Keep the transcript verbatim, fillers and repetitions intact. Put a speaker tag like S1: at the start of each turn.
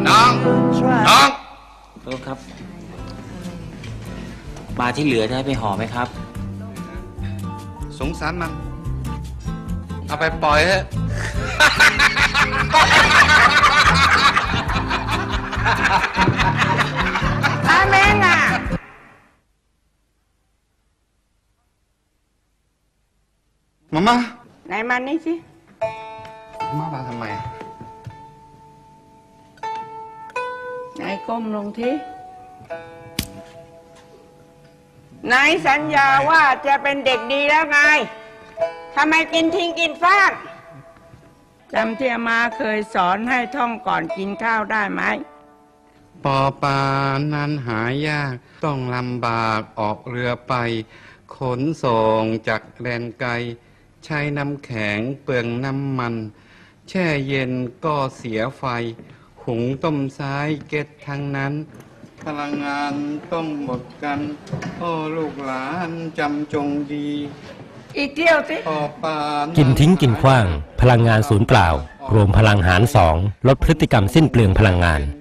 S1: น้องน้อง
S2: โทษครับปลาที่เหลือจะให้ไปห่อไหมครับ
S1: สงสารมันเอาไปปล่อยเถอะ
S3: อาเมงอ่ะ
S1: มาม่า
S3: ไหนมานี่สิ
S1: มามาทำไม
S3: ไหนก้มลงทีนายสัญญาว่าจะเป็นเด็กดีแล้วไงทำไมกินทิ้งกินฟ้างจำที่อามาเคยสอนให้ท่องก่อนกินข้าวได้ไหม
S1: ปอปลานั้นหายากต้องลำบากออกเรือไปขนส่งจากแดนไกลใช้น้ำแข็งเปลืองน้ำมันแช่เย็นก็เสียไฟหุงต้มซ้ายเก็ดทั้งนั้นพลังงานต้องหมดกันโอ้ลูกหลานจำจงดี
S3: อีกเที่ยวสิ
S1: ปอปลา
S4: กินทิ้งกินขว้างพลังงานศูนย์เปล่ารวมพลังหารสองลดพฤติกรรมสิ้นเปลืองพลังงาน